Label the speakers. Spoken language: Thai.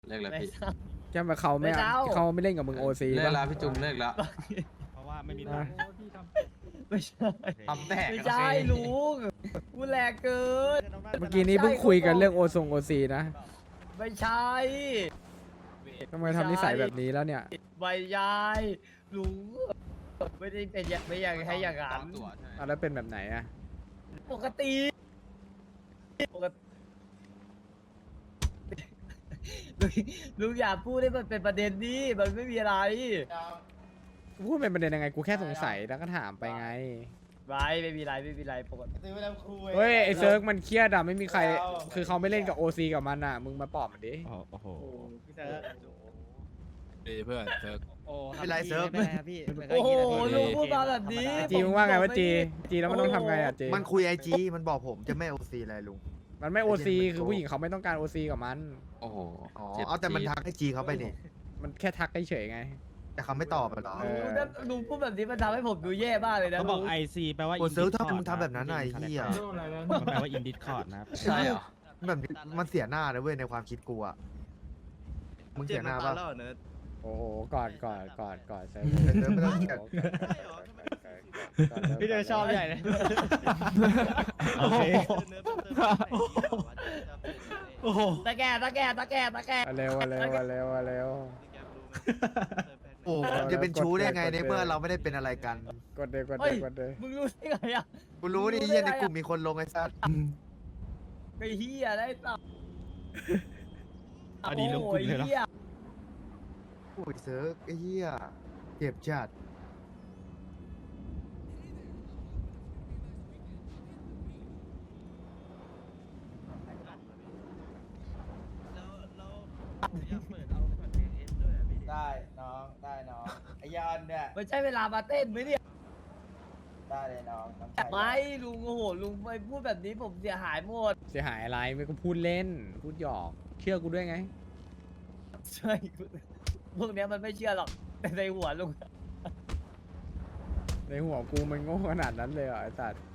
Speaker 1: เลิกแล้ว
Speaker 2: ไม่
Speaker 1: พี่
Speaker 2: เศร้า
Speaker 3: แค่มาเขาไม่
Speaker 2: ไม่เศร้า
Speaker 3: เขาไม่เล่นกับมึงโอซี
Speaker 1: เลิก
Speaker 3: ป่ะ
Speaker 1: แล้วพี่จุงเลิกแล้ว
Speaker 4: เพราะว่าไม่มี
Speaker 3: อ่ะ
Speaker 4: ตังค์
Speaker 2: ไม่ใช่
Speaker 1: ทำแตก
Speaker 2: ไม่ใช่ลุงพูดแรงเกิน
Speaker 3: เมื่อกี้นี้เพิ่งคุยกันเรื่องโอซีนะ
Speaker 2: ไม่ใช่
Speaker 3: ทำไมทำนิสัยแบบนี้แล้วเนี่ย
Speaker 2: ไม่ใช่ลุงไม่ได้เป็นอย่างไม่อย่างให้อย่างนั้น
Speaker 1: ตัวใช่
Speaker 3: อ่ะแล้วเป็นแบบไหนอ่ะ
Speaker 2: ปกติปกติลุงอย่าพูดให้มันเป็นประเด็นนี้มันไม่มีอะไร
Speaker 3: พูดเป็นประเด็นยังไงกูแค่สงสัยแล้วก็ถามไปไง
Speaker 2: ไม่มีไรปกติ
Speaker 5: ซื้อไปแล้วคุย
Speaker 3: เฮ้ยไอเซิร์กมันเครียดอะไม่มีใคร คือเขาไม่เล่นกับโอซีกับมันอะมึงมาปลอบมันดิ
Speaker 4: โอ้โห
Speaker 5: พี่เซิร์ฟ
Speaker 4: ดีเพื่อนเซิร์ฟ
Speaker 5: ไม่ไรเซิร์ฟ
Speaker 2: โอ้โหลุงพูดมาแบบนี้
Speaker 3: จีมึงว่าไงว่าจีแล้วมันต้องทำไงอะจี
Speaker 5: มันคุยไอจีมันบอกผมจะไม่โอซีอะไรลุง
Speaker 3: มันไม่โอซีคือผู้หญิงเขาไม่ต้องการโอซีกับมัน
Speaker 1: โอ้โห
Speaker 5: อ๋อ
Speaker 1: จ็บ
Speaker 5: เอาแต่มัน
Speaker 1: จี๊ด
Speaker 5: ทักไอจีเขาไปนี่
Speaker 3: มันแค่ทักเฉยๆไง
Speaker 5: แต่เขาไม่ตอบอะเหรอ
Speaker 3: เออ
Speaker 2: ลุงพูดแบบนี้มันทำให้ผมดูแย่มากเลยนะ
Speaker 4: เขาบอก
Speaker 2: ลุง
Speaker 4: IC แปลว่า
Speaker 5: โอ้เซิร์ฟทำไมมึงทำแบบนั้นน่ะไอ้เหี้ย
Speaker 4: มันแปลว่า in Discord นะครับ
Speaker 1: ใช่เหรอ
Speaker 5: แบบนี้มันเสียหน้าเลยเว้ยในความคิดกูอะมึงเสียหน้าปะ
Speaker 3: โอ้โหกอดเซิร์ฟ
Speaker 5: เซิร์ฟไม่ต้องเกลียด
Speaker 2: พี่เดชชอบใหญ่เลย
Speaker 4: โอเคโอ้โห
Speaker 2: ตะแกรง
Speaker 3: มาเร็วมาเร็วมาเร็วมาเร็ว
Speaker 5: โอ้จะเป็นชู้ได้ไงในเมื่อเราไม่ได้เป็นอะไรกัน
Speaker 3: กดเลยกดเล
Speaker 2: เฮ้
Speaker 3: ย
Speaker 2: ย
Speaker 3: กดเลย
Speaker 2: มึงรู้ได้ไงอ่ะ
Speaker 5: กูรู้นี่เหี้ยในกลุ่มมีคนลงไอ้สัส
Speaker 2: ไอ้เฮียได้ต่อ
Speaker 4: อันนี้ลงกลุ่มเลยเหรอ
Speaker 5: โอ้ยเซิร์ฟไอ้เหี้ยเจ็บจัด
Speaker 6: ได้น้องได้น้องไอยอนเนี่ย
Speaker 2: มันใช่เวลามาเต้นไหมเนี่ย
Speaker 6: ได้เลยน้องน้องชาย
Speaker 2: ไม่ลุงโอ้โหลุงไปพูดแบบนี้ผมเสียหายหมด
Speaker 3: เสียหายอะไรไม่ก็พูดเล่น พูดหยอก เชื่อกูด้วยไง
Speaker 2: ใช่พวกเนี้ยมันไม่เชื่อหรอกแต่ในหัวลุง
Speaker 3: ในหัวกูมันโง่ขนาดนั้นเลยเหรอไอ้สัตว์